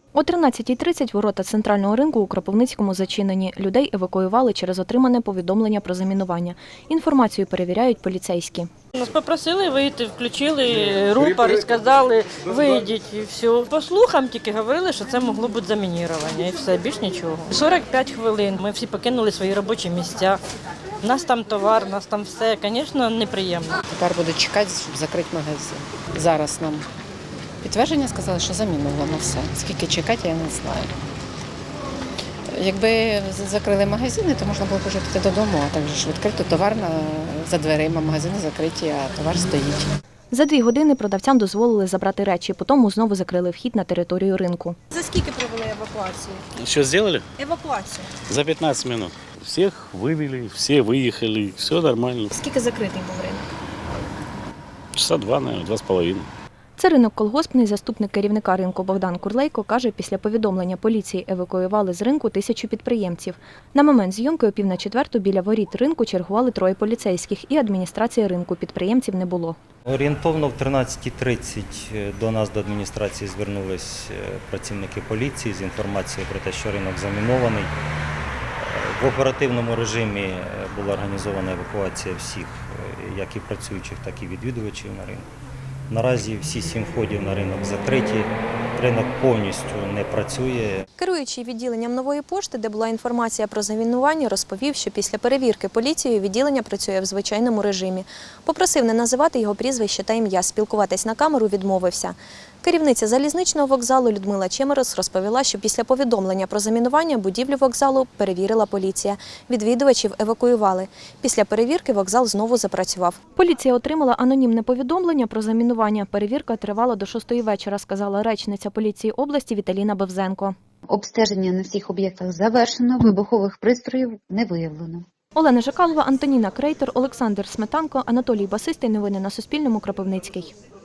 О 13:30 ворота центрального ринку у Кропивницькому зачинені. Людей евакуювали через отримане повідомлення про замінування. Інформацію перевіряють поліцейські. Нас попросили вийти, включили рупор і сказали, вийдіть і все. По слухам тільки говорили, що це могло бути замінірування і все, більш нічого. 45 хвилин, ми всі покинули свої робочі місця. У нас там товар, у нас там все, звісно, неприємно. Тепер будуть чекати, щоб закрити магазин. Зараз нам підтвердження сказали, що заміновано все. Скільки чекати, я не знаю. Якби закрили магазини, то можна було б вже піти додому, а так же ж відкрито товар за дверима, магазини закриті, а товар стоїть. За 2 години продавцям дозволили забрати речі, потім знову закрили вхід на територію ринку. За скільки провели евакуацію? Что сделали? Евакуацію. За 15 минут. Всех вывели, все выехали, все нормально. Скільки закритий був ринок? Часа 2, наверное, 2,5. Це ринок колгоспний. Заступник керівника ринку Богдан Курлейко каже, після повідомлення поліції евакуювали з ринку 1000 підприємців. На момент зйомки о 3:45 біля воріт ринку чергували 3 поліцейських і адміністрації ринку. Підприємців не було. Орієнтовно в 13:30 до нас, до адміністрації, звернулись працівники поліції з інформацією про те, що ринок замінований. В оперативному режимі була організована евакуація всіх, як і працюючих, так і відвідувачів на ринку. Наразі всі 7 входів на ринок закриті, ринок повністю не працює. Керуючий відділенням Нової пошти, де була інформація про замінування, розповів, що після перевірки поліцією відділення працює в звичайному режимі. Попросив не називати його прізвище та ім'я, спілкуватись на камеру відмовився. Керівниця залізничного вокзалу Людмила Чемерос розповіла, що після повідомлення про замінування будівлю вокзалу перевірила поліція. Відвідувачів евакуювали. Після перевірки вокзал знову запрацював. Поліція отримала анонімне повідомлення про замінування. Перевірка тривала до 6:00 вечора, сказала речниця поліції області Віталіна Бевзенко. Обстеження на всіх об'єктах завершено, вибухових пристроїв не виявлено. Олена Жакалова, Антоніна Крейтор, Олександр Сметанко, Анатолій Басистий. Новини на Суспільному. Кропивницький.